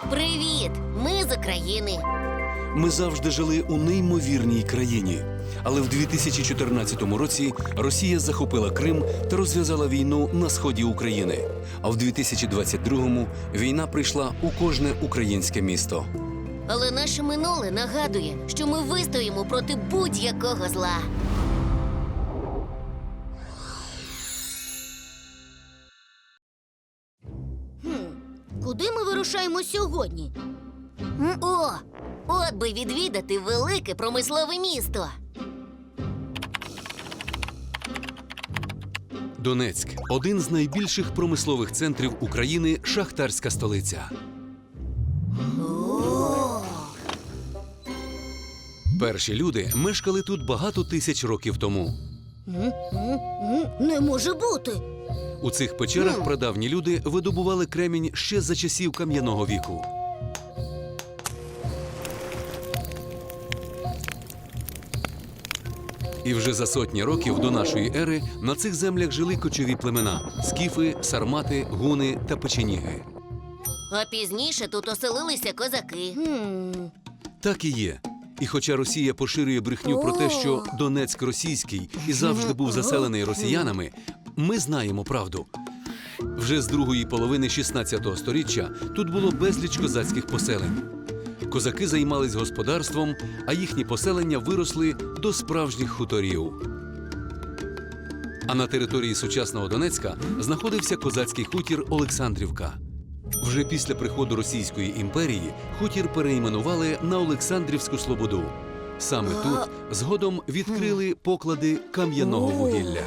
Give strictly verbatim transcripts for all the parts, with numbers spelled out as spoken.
Привіт! Ми з України. Ми завжди жили у неймовірній країні. Але в дві тисячі чотирнадцятому році Росія захопила Крим та розв'язала війну на сході України. А в дві тисячі двадцять другому війна прийшла у кожне українське місто. Але наше минуле нагадує, що ми вистоїмо проти будь-якого зла. Куди ми вирушаємо сьогодні? О, от би відвідати велике промислове місто. Донецьк – один з найбільших промислових центрів України, шахтарська столиця. Перші люди мешкали тут багато тисяч років тому. Не може бути. У цих печерах прадавні люди видобували кремінь ще за часів кам'яного віку. І вже за сотні років до нашої ери на цих землях жили кочові племена – скіфи, сармати, гуни та печеніги. А пізніше тут оселилися козаки. Так і є. І хоча Росія поширює брехню про те, що Донецьк російський і завжди був заселений росіянами, ми знаємо правду. Вже з другої половини шістнадцятого сторіччя тут було безліч козацьких поселень. Козаки займались господарством, а їхні поселення виросли до справжніх хуторів. А на території сучасного Донецька знаходився козацький хутір Олександрівка. Вже після приходу Російської імперії хутір перейменували на Олександрівську Слободу. Саме тут згодом відкрили поклади кам'яного вугілля.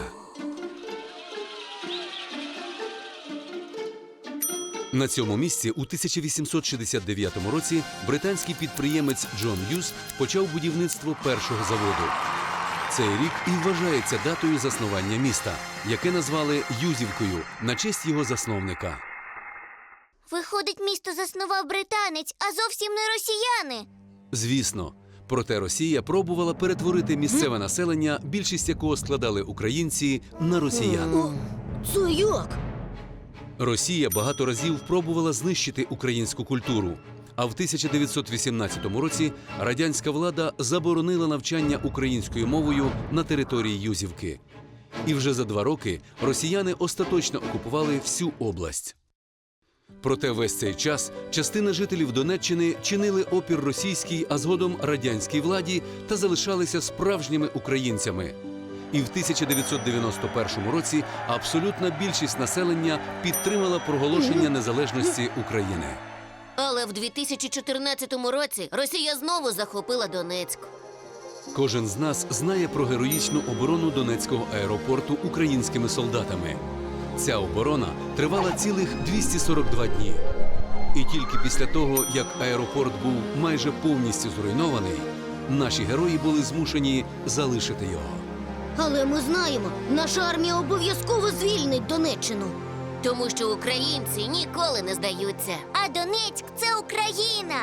На цьому місці у тисяча вісімсот шістдесят дев'ятому році британський підприємець Джон Юз почав будівництво першого заводу. Цей рік і вважається датою заснування міста, яке назвали Юзівкою на честь його засновника. Виходить, місто заснував британець, а зовсім не росіяни. Звісно. Проте Росія пробувала перетворити місцеве населення, більшість якого складали українці, на росіян. Це як? Росія багато разів пробувала знищити українську культуру. А в тисяча дев'ятсот вісімнадцятому році радянська влада заборонила навчання українською мовою на території Юзівки. І вже за два роки росіяни остаточно окупували всю область. Проте весь цей час частина жителів Донеччини чинили опір російській, а згодом радянській владі та залишалися справжніми українцями. І в тисяча дев'ятсот дев'яносто першому році абсолютна більшість населення підтримала проголошення незалежності України. Але в дві тисячі чотирнадцятому році Росія знову захопила Донецьк. Кожен з нас знає про героїчну оборону Донецького аеропорту українськими солдатами. Ця оборона тривала цілих двісті сорок два дні. І тільки після того, як аеропорт був майже повністю зруйнований, наші герої були змушені залишити його. Але ми знаємо, наша армія обов'язково звільнить Донеччину. Тому що українці ніколи не здаються. А Донецьк – це Україна!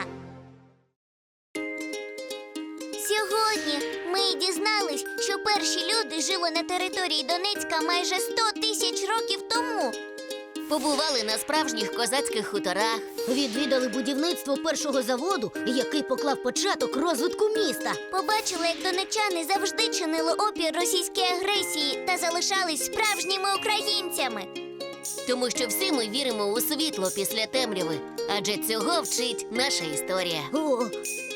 Сьогодні ми дізнались, що перші люди жили на території Донецька майже сто тисяч років тому. Побували на справжніх козацьких хуторах. Відвідали будівництво першого заводу, який поклав початок розвитку міста. Побачили, як донеччани завжди чинили опір російській агресії та залишались справжніми українцями. Тому що всі ми віримо у світло після темряви. Адже цього вчить наша історія. О,